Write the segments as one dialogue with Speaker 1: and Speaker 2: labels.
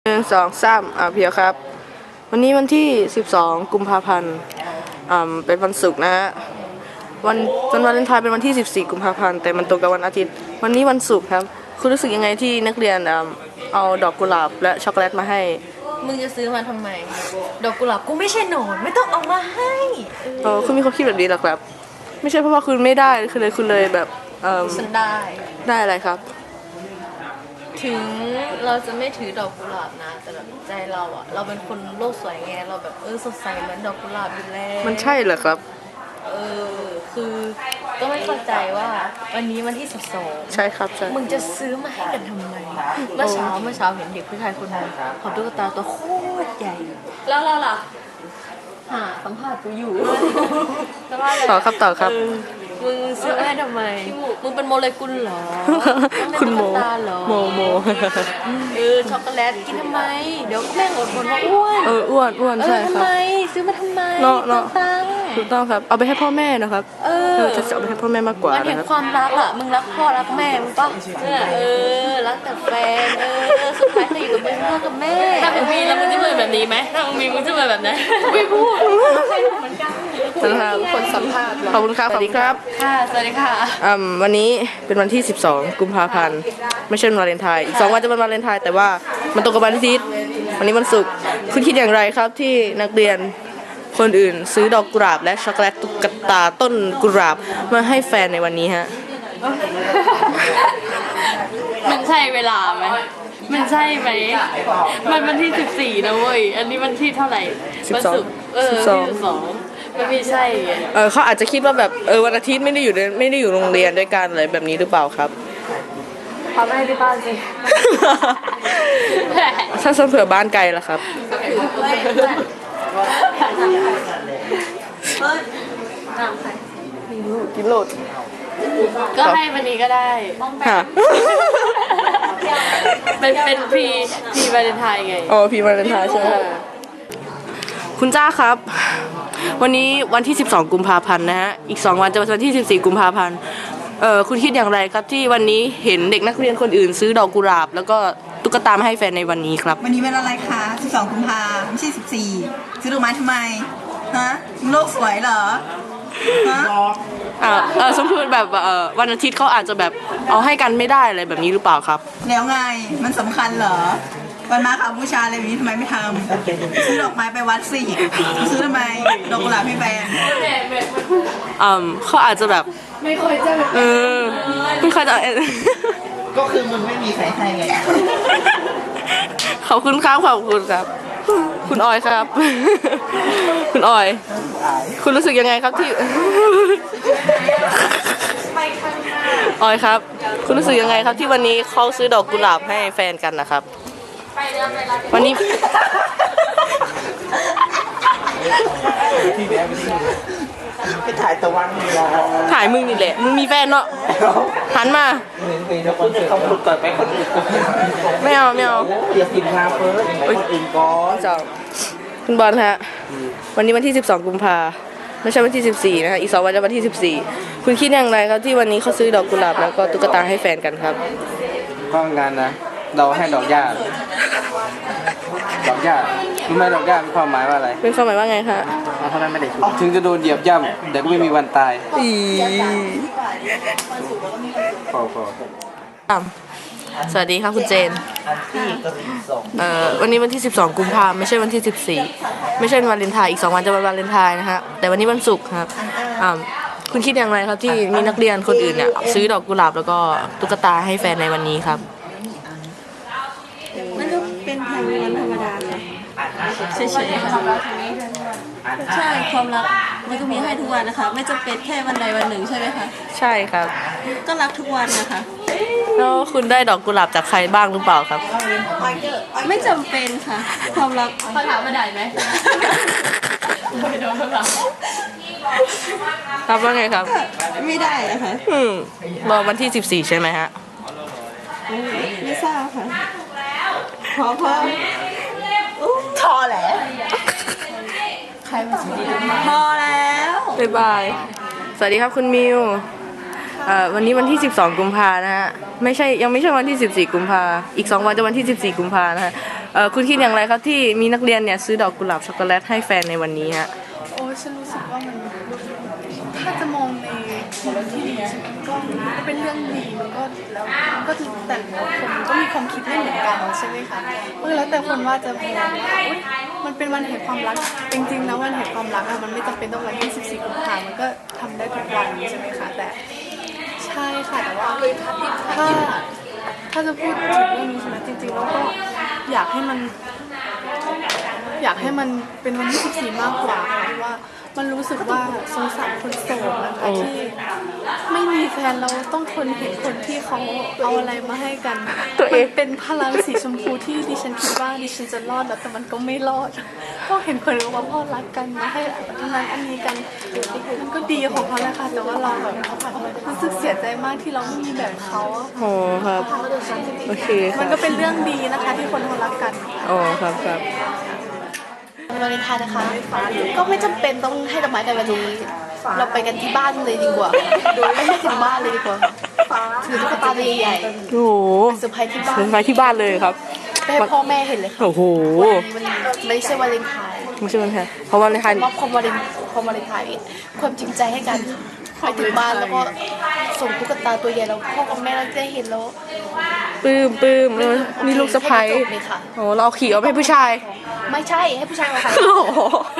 Speaker 1: 1 2 3เพียวครับวันนี้วันที่12กุมภาพันธ์เป็นวันศุกร์นะฮะวันวาเลนไทน์เป็นวันที่14กุมภาพันธ์แต่มันตรงกับวันอาทิตย์วันนี้วันศุกร์ครับคุณรู้สึกยังไงที่นักเรียนเอาดอกกุหลาบและช็อกโกแลตมาให้
Speaker 2: มึงจะซื้อมาทำไมดอกกุหลาบกูไม่ใช่หนอนไม่ต้องเอามาให้
Speaker 1: คุณมีความคิดแบบนี้หรอครับไม่ใช่เพราะว่าคุณไม่ได้คุณเลยแบบ
Speaker 2: ฉันได้
Speaker 1: อะไรครับ
Speaker 2: ถึงเราจะไม่ถือดอกกุหลาบนะแต่แบบใจเราอะเราเป็นคนโลกสวยไงเราแบบสดใสเหมือนดอกกุหลาบอยู่แล้ว
Speaker 1: มันใช่เหรอครับ
Speaker 2: คือก็ไม่เข้าใจว่าวันนี้วันที่12
Speaker 1: ใช่ครับใช่
Speaker 2: มึงจะซื้อมาให้กันทำไมเมื่อเช้าเห็นเด็กผู้ชายคนนึงเขาตุ๊กตาตัวโคตรใหญ่แล้วเราล่ะสัมภาษณ์กูอยู่
Speaker 1: ต่อครับ
Speaker 2: มึงซื้อให้ทำไมมึงเป็นโมเลกุลเหรอ
Speaker 1: คุณโม
Speaker 2: ช็อกโกแลตกินทำไมเดี๋ยวแม่งอดทนว่าอ้วน
Speaker 1: อ้วนใช่ครับ
Speaker 2: ทำไมซื้อมาทำไม
Speaker 1: ถูกต้องครับเอาไปให้พ่อแม่นะครับจะเอาไปให้พ่อแม่มากกว่า
Speaker 2: นะครับความรักอ่ะมึงรักพ่อรักแม่มึงป่ะรักแต่แฟนสุดท้ายจะอยู่กับมึงพ่อกับแม่ถ้ามึงมีแล้วมึงจะเป็นแบบนี้ไหมถ้ามึงมีมึงจะเป็นแบบไหนไม่พูดเหมือนกันคนสัมภาษณ์
Speaker 1: ขอบคุณครับสวัสดีครับ
Speaker 2: สวัสดีค่ะ
Speaker 1: วันนี้เป็นวันที่12กุมภาพันธ์ไม่ใช่วันวาเลนไทน์อีก2 วันจะเป็นวาเลนไทน์แต่ว่ามันตรงกับวันอาทิตย์วันนี้วันศุกร์คุณคิดอย่างไรครับที่นักเรียนคนอื่นซื้อดอกกุหลาบและช็อกโกแลตตุ๊กตาต้นกุหลาบมาให้แฟนในวันนี้ฮะ
Speaker 2: มันใช่เวลาไหมมันใช่ไหมมันวันที่14นะเว้ยอันนี้วันที่เท่าไหร่วันศุกร์12มันไม่ใช่
Speaker 1: เขาอาจจะคิดว่าแบบวันอาทิตย์ไม่ได้อยู่โรงเรียนด้วยกันอะไรแบบนี้หรือเปล่าครับ
Speaker 2: พาไปที่บ้านสิ
Speaker 1: ถ้าเผื่อบ้านไกลล่ะครับกินโหลด
Speaker 2: ก็ให้วันนี้ก็ได้เป็นพรีวาเลนไทน์ไง
Speaker 1: พรีวาเลนไทน์ใช่ไหมคุณจ้าครับวันนี้วันที่12กุมภาพันธ์นะฮะอีก2 วันจะเป็นวันที่14กุมภาพันธ์คุณคิดอย่างไรครับที่วันนี้เห็นเด็กนักเรียนคนอื่นซื้อดอกกุหลาบแล้วก็ตุ๊กตามาให้แฟนในวันนี้ครับ
Speaker 3: วันนี้เป็นอะไรคะ12กุมภาไม่ใช่14ซื้อดอกไม้ทำไมฮะโลกสวยเหรอฮะ
Speaker 1: สมมติแบบวันอาทิตย์เขาอาจจะแบบเอาให้กันไม่ได้อะไรแบบนี้หรือเปล่าครับ
Speaker 3: แล้วไงมันสำคัญเหรอวันมาค่ะบูชาอะไรแบบนี้ทำไมไม่ทำซื้อดอกไม้ไปวัดสิซื้อทำไมดอกกุหลาบให้แฟน
Speaker 1: เขาอาจจะแบบ
Speaker 2: ไม่ค่อยจะ
Speaker 1: ไม่ค่อยจะ
Speaker 3: ก็คือมึงไม่มีใครให้ไง
Speaker 1: ขอบคุณครับคุณออยครับคุณออยคุณรู้สึกยังไงครับที่ออยครับคุณรู้สึกยังไงครับที่วันนี้เขาซื้อดอกกุหลาบให้แฟนกันนะครับวันนี้
Speaker 3: ไปถ่ายตะวัน
Speaker 1: ถ่ายมึงนี่แหละมึงมีแฟนเนาะหันมา
Speaker 3: เขาพูดก่อนไปคนอื่น
Speaker 1: ไม่เอา
Speaker 3: เดี๋ยวกินมาเฟิร์สคนอื่นก่อน
Speaker 1: คุณบอลฮะวันนี้วันที่12กุมภาไม่ใช่วันที่14นะฮะอีก2 วันจะวันที่14คุณคิดอย่างไรครับที่วันนี้เขาซื้อดอกกุหลาบแล้วก็ตุ๊กตาให้แฟนกันครับ
Speaker 4: ก็งานนะเราให้ดอกหญ้ารู้ไหมดอกหญ้ามีความหมายว่าอะไร
Speaker 1: เป็นความหมายว่าไงคะ
Speaker 4: เพราะนั้นไม่ได้ถึงจะโดนเหยียบย่ำแต่ก็ไม่มีวันตาย
Speaker 1: สวัสดีครับคุณเจนวันนี้วันที่12กุมภาพันธ์ไม่ใช่วันที่14ไม่ใช่วันวาเลนไทน์อีก2 วันจะวันวาเลนไทน์นะฮะแต่วันนี้วันศุกร์ครับคุณคิดอย่างไรครับที่มีนักเรียนคนอื่นเนี่ยซื้อดอกกุหลาบแล้วก็ตุ๊กตาให้แฟนในวันนี้ครับ
Speaker 5: มันก็เป็นวันธรรมดาค่ะเฉยๆค่ะใช่ความรักมันก็มีให้ทุกวันนะคะไม่จำเป็นแค่วันใดวันหนึ่งใช่ไหมคะ
Speaker 1: ใช่ครับ
Speaker 5: ก็รักทุกวันนะคะ
Speaker 1: แล้วคุณได้ดอกกุหลาบจากใครบ้างหรือเปล่าครับ
Speaker 5: ไม่จำเป็นค่ะความรัก
Speaker 2: เขาถามมาได้ไหมไม่โดนเขาถาม
Speaker 1: ครับว่าไงครับ
Speaker 5: ไม่ได้อะค่ะ
Speaker 1: รอวันที่14ใช่ไหมฮะ
Speaker 5: ไม่ทราบค่ะพอ
Speaker 3: ทอแล้ว
Speaker 2: ใครมาซื้อ
Speaker 5: พอแล้ว
Speaker 1: บ๊ายบายสวัสดีครับคุณมิว วันนี้วันที่12กุมภานะฮะยังไม่ใช่วันที่14กุมภาอีก2 วันจะวันที่14กุมภานะฮะคุณคิดอย่างไรครับที่มีนักเรียนเนี่ยซื้อดอกกุหลาบช็อกโกแลตให้แฟนในวันนี้ฮะ
Speaker 6: โอ้ฉันรู้สึกว่ามันถ้าจะมองในที่ดีใช่ไหมก็เป็นเรื่องดีมันก็แต่ละคนก็มีความคิดไม่เหมือนกันใช่ไหมคะแล้วแต่คนว่าจะมองว่าอุ๊ยมันเป็นวันแห่งความรักจริงๆนะวันแห่งความรักอะมันไม่จำเป็นต้องวันที่14 กุมภาพันธ์มันก็ทำได้ทุกวันใช่ไหมคะแต่ใช่ค่ะแต่ว่าถ้าจะพูดถึงเรื่องนี้ใช่ไหมจริงๆแล้วก็อยากให้มันเป็นวันที่14 มากกว่าค่ะเพราะว่ามันรู้สึกว่าสงสารคนโสดนะคะที่ไม่มีแฟนเราต้องทนเห็นคนที่เขาเอาอะไรมาให้กันมันเป็นพลังสีชมพูที่ดิฉันคิดว่าดิฉันจะรอดแล้วแต่มันก็ไม่รอดก็เห็นคนรู้ว่าพ่อรักกันมาให้ทำงานอันนี้กันมันก็ดีของเขาแหละค่ะแต่ว่าเราแบบรู้สึกเสียใจมากที่เราไม่มีแบบเขา
Speaker 1: โอ้ครับโอเคค
Speaker 6: มั
Speaker 1: รั
Speaker 6: น
Speaker 1: บ
Speaker 6: ก็เป็นเรื่องดีนะคะที่คนเขารักกัน
Speaker 1: อ๋อครับครับ
Speaker 2: วาเลนไทน์นะคะ ก็ไม่จำเป็นต้องให้ดอกไม้กันวันนี้ เราไปกันที่บ้านเลยดีกว่าโดยไม่ให้ถึงบ้านเลยดีกว่าถือตุ๊กตาใหญ่
Speaker 1: โอ้โห
Speaker 2: ๆเซอร์ไพรส์ที่บ้าน
Speaker 1: เดินไปที่บ้านเลยครับ
Speaker 2: ไปให้พ่อแม่เห็นเลยค่ะ
Speaker 1: โอ้โห
Speaker 2: มันไม่ใช่วาเลนไทน์
Speaker 1: ไม่ใช่วันแทนเพราะวันในไทย
Speaker 2: มอบความวาเลนไทน์ความจริงใจให้กันไปถึงบ้านแล้วก็ส่งตุ๊กตาตัวใหญ่แล้วพ่อกับแม่เราได้เห็นแล้ว
Speaker 1: ปลื้มมีลูกสะใภ้
Speaker 2: ให้จบเลยค่ะ
Speaker 1: โอ้เราเอาขี่เอาไปให้ผู้ชาย
Speaker 2: ไม่ใช่ให้ผู้ชายมาค่ะ
Speaker 1: โอ้โห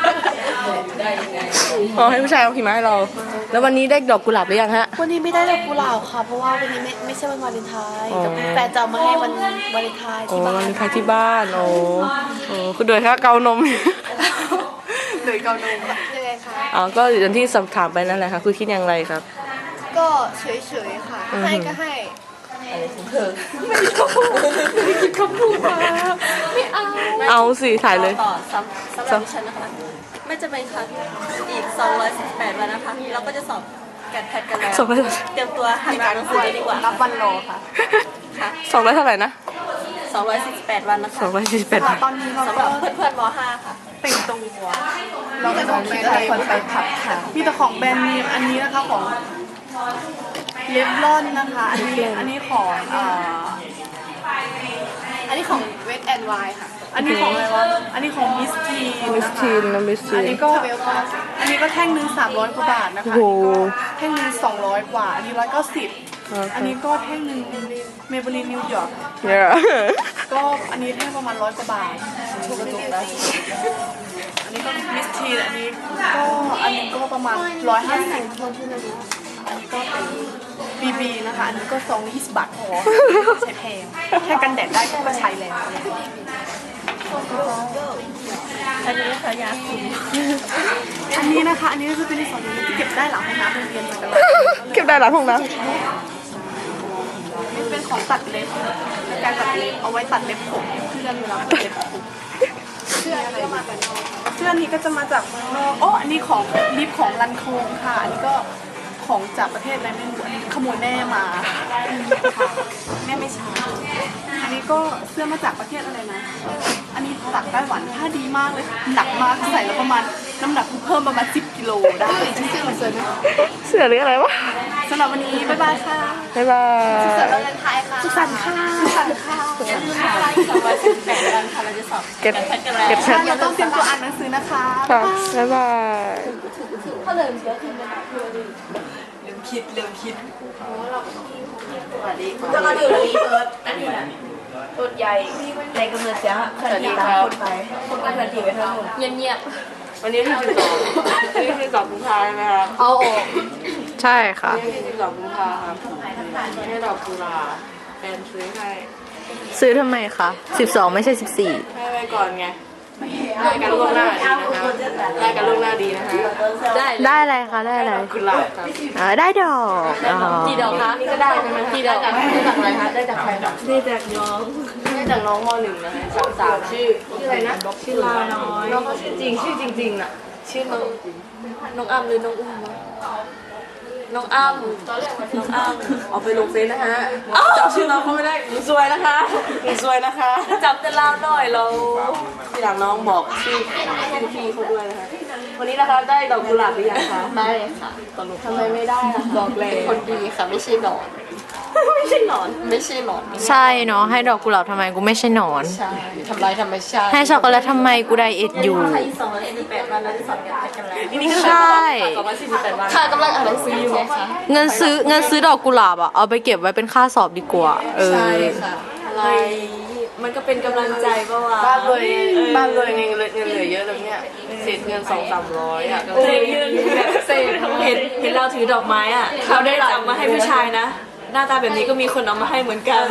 Speaker 1: อ๋อให้ผู้ชายเอาขี่มาให้เรา แล้ววันนี้ได้ดอกกุหลาบหรือยังฮะ
Speaker 2: วันนี้ไม่ได้ดอกกุหลาบค่ะเพราะว่าวันนี้ไม่ใช่วันวาเลนไทน์แต่แฟนจะเอามาให้วันวาเลนไทน์
Speaker 1: โอ้
Speaker 2: ที่บ้า
Speaker 1: วัน
Speaker 2: น
Speaker 1: นี้ใครที่บ้านโอ้คุณโดยคะเกานม
Speaker 6: เลยเกาโดม
Speaker 2: ยังไงคะ
Speaker 1: อ๋อก็อย่างที่สอบถามไปนั่นแหละค่ะคุณคิดอย่างไรครับ
Speaker 2: ก็เฉยๆค่ะให้ก็ให้
Speaker 1: เอาสิถ่ายเลย
Speaker 5: ต่อสำหรับดิฉันนะคะ ไม่จะเป็นค่ะอีก218 วันนะคะ เราก็จะสอบแกดแพทกันแล้ว
Speaker 1: สอบอะไร
Speaker 5: เตรียมตัวหัดอ่านหนังสือเลยดีกว่า
Speaker 6: รับวันรอค่ะ
Speaker 5: ค่ะ
Speaker 1: 200เท่าไหร่นะ
Speaker 5: 248 วันนะคะ
Speaker 1: 248
Speaker 6: ตอนนี้เรา
Speaker 5: สำห
Speaker 6: ก็
Speaker 5: รับเพื่อนๆม .5 ค่ะ
Speaker 6: แต่งตัวเราก็ต้องมีแต่คนไปผับค่ะมีแต่ของแบรนด์เนมอันนี้นะคะของเลฟลอนนะคะอันนี้ของ
Speaker 2: อันนี้ของเวทแอนด์ไวค่ะ
Speaker 6: อันนี้ของอะไรวะอันนี้ของมิสที
Speaker 1: มิสทีนนะมิสที
Speaker 6: อัน
Speaker 1: น
Speaker 6: นี้ก็แท่งหนึง300 กว่าบาทนะคะ
Speaker 1: โอ้โห
Speaker 6: แท่งหนึง200 กว่าอันนี้190อันนี้ก็แท่งหนึงเมเบลีนนิวยอร์ก
Speaker 1: เนี่ย
Speaker 6: ก็อันนี้แท่งประมาณ100 กว่าบาทถูกกระจุกแล้วอันนี้ก็มิสทีอันนี้ก็ประมาณ150อันนี้ก็เป็นBB นะคะอันนี้ก็ซองละ20 บาทพอใช้แพงแค่กันแดดได้ก็ใช้แล้ว
Speaker 5: อันนี้ค่ะยาคุม
Speaker 6: อันนี้นะคะ อันนี้ก็จะเป็นในส่วนที่เก็บได้หลังห้องน้ำโรงเรียนเหมือนกัน
Speaker 1: เก็บได้หลังห้องน้
Speaker 6: นี่เป็นของตัดเล็บการตัดเล็บเอาไว้ตัดเล็บผมเพื่อนเวลาตัดเล็บผมเสื้ออะไรเสื้อนี้ก็จะมาจากเมืองนอกอ๋ออันนี้ของลิปของลันโคงค่ะอันนี้ก็ของจากประเทศอะไรไม่รู้อันนี้ขโมยแม่มาค่ะแม่ไม่ใช้อันนี้ก็เสื้อมาจากประเทศอะไรนะอันนี้จากไต้หวันผ้าดีมากเลยหนักมากใส่แล้วประมาณน้ำหนักเพิ่มประมาณ10 กิโลได้
Speaker 2: เสื้อมันสวยไหม
Speaker 1: ำเสื้อหรืออะไรวะ
Speaker 6: สำหรับวันนี้บ๊ายบายค่ะ
Speaker 1: บ๊ายบาย
Speaker 2: เสื้อวาเลนไทน์ค่ะ
Speaker 6: สุขสันต์ค่ะสุขสันต์ค่ะ
Speaker 5: อย่าลืมนะคะอีก218 วันค่ะ เราจะสอบ
Speaker 1: เก็บ
Speaker 5: แพทกันแล้ว
Speaker 1: เก็บแพท
Speaker 6: เราต้องเตรียมตัวอ่านหนังสือนะคะ
Speaker 1: ค่ะบ๊ายบาย
Speaker 2: ถ้าเลยเยอะขึ้นไหม
Speaker 3: จะมาดูรีเอิร์ธอันนี้นะตัวใหญ่ในกำเนิดเสียขนาดนี้คนไปคนกันทันทีไปทั้งหมด
Speaker 2: เงียบ
Speaker 1: วันนี้ที่12นี่ที่12กุมภาพันธ์ใช่ไหมครับ
Speaker 2: ๆเอาออก
Speaker 1: ใช่ค่ะ
Speaker 2: นี่ที่12กุมภาครับให้ดอกกุหลาบแฟนซื้อให้
Speaker 1: ซื้อทำไมคะ12ไม่ใช่14
Speaker 2: ให้ไปก่อนไงได้กันล่วงหน้าดีนะคะได้กันล่วงหน้าดีนะคะได้
Speaker 1: ได้อะไรคะได้อะไร
Speaker 2: กุหลาบครับ
Speaker 1: ได้ดอกอ๋อ
Speaker 2: กี่ดอกคะนี่ก็ได้ใช่ไหมกี่ดอกจากอะไรคะได้จากใครได้จากน้องได้จากน้องม.1นะคะ3ชื่ออะไรนะชื่อลาน้อยน้องเขาชื่อจริงน่ะชื่อน้องอ้ำหรือน้องอุ้มน้องอ้ำเอาไปลงเฟซนะฮะจำชื่อน้องเขาไม่ได้หนูซวยนะคะจำแต่ลาวหน่อยเราทีหลังน้องบอกชื่อพี่เขาด้วยนะคะวันนี้นะคะได้ดอกกุหลาบหรือยังคะได้ค่ะทำไมไม่ได้ล่ะบอกเลยคนดีค่ะไม่ใช่ดอกไม่ใช่หนอน ไม่ใช่หนอน
Speaker 1: ใช่เนาะให้ดอกกุหลาบทำไมกูไม่ใช่หนอน
Speaker 2: ใช่ทำลายธรรมชาติ
Speaker 1: ให้ช็อกโกแลตทำไมกูไดเอทอยู่
Speaker 2: อีก248วันเราจะสอนกันแล้ว
Speaker 1: ใช่
Speaker 2: 248วันค่ะกำลังอ่านหนังสืออยู่ไงคะ
Speaker 1: เงินซื้อดอกกุหลาบอะเอาไปเก็บไว้เป็นค่าสอบดีกว่า
Speaker 2: ใ
Speaker 1: เออ
Speaker 2: ช่ค่ะอะไรมันก็เป็นกำลังใจปะวะ
Speaker 1: บ้านรวยเงินเหลือเยอะแล้วเนี่ยเศษเงิน200-300อ่ะ
Speaker 2: เศษเงินเศษเห็นเราถือดอกไม้อ่ะเราได้จับมาให้ผู้ชายนะ หน้าตาแบบนี้ก็มีคนเอามาให้เหมือนกัน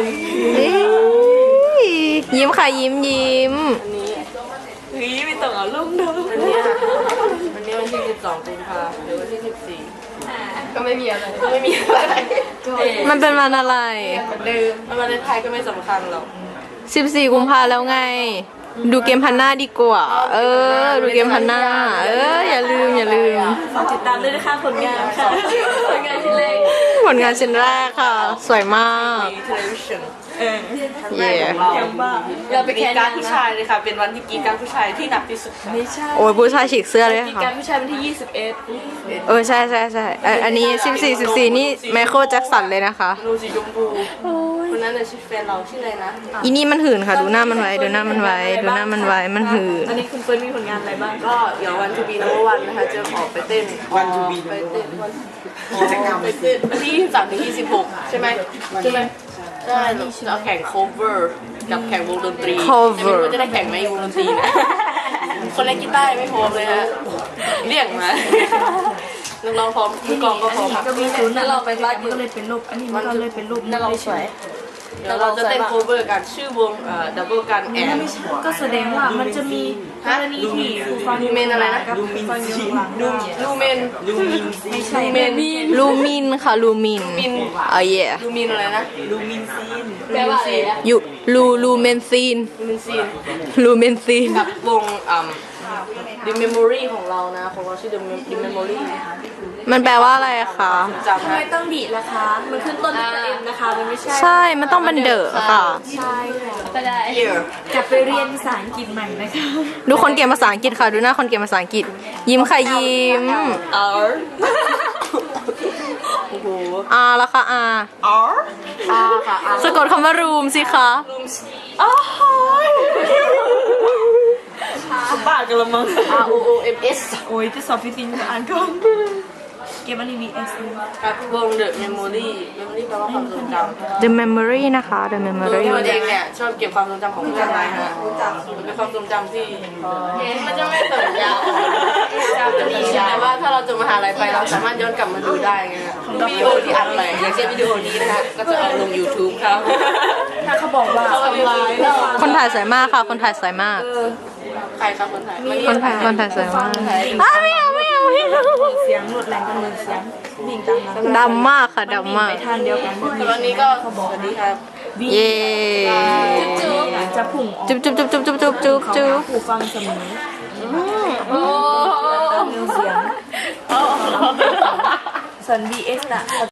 Speaker 1: ยิ้มค่ะยิ้ม
Speaker 2: เฮ้ยไม่ต้องเอาลูกเดิม
Speaker 1: วันนี้วันที่12กุมภาพันธ์หรือวันที่14ก็ไม่มีอะไร มันเป็นวันอะไร
Speaker 2: เดิม
Speaker 1: วันไทยก็ไม่สำคัญหรอก14กุมภาแล้วไง ดูเกมพันหน้าดีกว่า ดูเกมพันหน้า อย่าลืม
Speaker 2: ฝากติดตามด้วยนะคะผลงานค่ะผลงานชิ้นแรก
Speaker 1: ผลงานชิ้นแรกค่ะ สวยมาก เย่
Speaker 2: เราไปแข่
Speaker 1: กาง รผู้ชายเลยค่ะ เป็นวันที่กีการผู้ชายที่หนักที่สุดค่ะ
Speaker 2: ไม่ใช่
Speaker 1: โอ้ยผู้ชายฉีกเสื้อเลย
Speaker 2: มี
Speaker 1: ค่ะ
Speaker 2: การผู้ชายวันที่21
Speaker 1: ใช่อันนี้14นี่ไมเคิลแจ็คสันเลยนะคะ
Speaker 7: รูสีชมพูคนนั้นน่ะชื่อแฟนเราชื่ออะไรนะ
Speaker 1: อีนี่มันหื่นค่ะ ดูหน้ามันไว้ มันหื่น
Speaker 2: ตอนนี้คุณเปิ้ลมีผลงานอะไรบ้าง
Speaker 7: ก็เดี๋ยววันทูบีนัมเบอร์วันนะคะจะออกไปเต้น
Speaker 4: วันทูบี
Speaker 7: ไปเต้นวันไปเต้นวันที่23ถึง26ใช่ไหมใช่เราจะเอาแข่ง cover กับแข่งวงดนตรี
Speaker 1: cover
Speaker 7: แต่ไม่รู้ว่าจะได้แข่งไหมวงดนตรีนะ คนเล่นกีตาร์ไม่พร้อมเลยฮะเรียกมานักร้องพร้อมมือกลองก็พร้อม
Speaker 2: ก็มีศูนย์นั่นเราไปบ้านก็เลยเป็นรูปอันนี้มันก็เลยเป็นรูปนั่นเราสวย
Speaker 7: เดี๋ยวเราจะเต้น cover กันชื่อวงdouble กันแอน
Speaker 2: ก็แสดงว่ามันจะมีกรณีที่ผู้ฟัง
Speaker 7: ลูเมนอะไรนะ
Speaker 2: กับผู้ฟังอยู่ข้างหลัง
Speaker 7: ลูเมน
Speaker 2: ไม่ใช่
Speaker 7: ลูเมน
Speaker 1: ลูมินค่ะ ลูมินเย่
Speaker 7: ลูมินอะไรนะ
Speaker 2: แปลว่าอะไรอะ
Speaker 1: อยู่ลูเมนซีน
Speaker 7: ลูมินซีน
Speaker 1: ลูเมนซีน
Speaker 7: กับวงThe Memory ของเรานะของเราชื่อ The Memory
Speaker 1: มันแปลว่าอะไรคะ
Speaker 7: จำ
Speaker 2: ทำไม
Speaker 7: นะ
Speaker 2: ต้องดีล่ะคะ มันขึ้นต้นด้วยตัวเอ็มนะคะ มันไม่ใช่
Speaker 1: ใช่ มันต้องเป็นเดอะค่ะ
Speaker 2: ใช่ค่ะก็ได้
Speaker 7: Here
Speaker 2: กลับไปเรียนภาษาอังกฤษใหม่นะคะ
Speaker 1: ดูคนเก่งภาษาอังกฤษค่ะ ดูหน้าคนเก่งภาษาอังกฤษ ยิ้มค่ะยิ้ม
Speaker 7: R โอ้โห
Speaker 1: แล้วค่ะ
Speaker 7: R ค่ะ R
Speaker 1: สะกดคำว่ารูมสิคะ
Speaker 2: บ้ากันละมั้ง
Speaker 7: R O O M S
Speaker 2: โอ้ยจะสอบฟิสิกส์อ่านก่อน เกมอันนี้ VS
Speaker 7: กับวง The Memory Memory แปลว่าความทรงจำ
Speaker 1: The memory นะคะ The
Speaker 7: ตัว
Speaker 1: memory
Speaker 7: พี่เองเนี่ยชอบเก็บความทรงจำของเพื่อนไว้ฮะเป็นความทรงจำที่มันจะไม่สัญญาแต่ว่าถ้าเราจบมหาลัยไปเราสามารถย้อนกลับมาดูได้ไงวิดีโอที่อัดใหม่อย่างเช่นวิดีโอนี้นะคะก็จะเอาลง YouTube ครับ
Speaker 2: ถ้าเขาบอกว่า
Speaker 7: เขาทำลายเรา
Speaker 1: คนถ่ายสวยมากค่ะ คนถ่ายสวยมาก
Speaker 7: ใครครับคนไทย
Speaker 1: คนถ่ายสวยมากไม่เอา
Speaker 2: เสียงหลุดแรงกันเลยเสียงดิ่งตามนั้น
Speaker 1: ดำมากค่ะ ดำมาก
Speaker 2: ไปทางเดียวกัน
Speaker 7: แต่วันนี้ก็สวัสดีครับ
Speaker 1: เย่
Speaker 2: จะพุ่งออก
Speaker 1: จุ๊บจุ๊บ
Speaker 2: ผู้ฟังเสมอโอ้เสียงส่วน VS น่ะ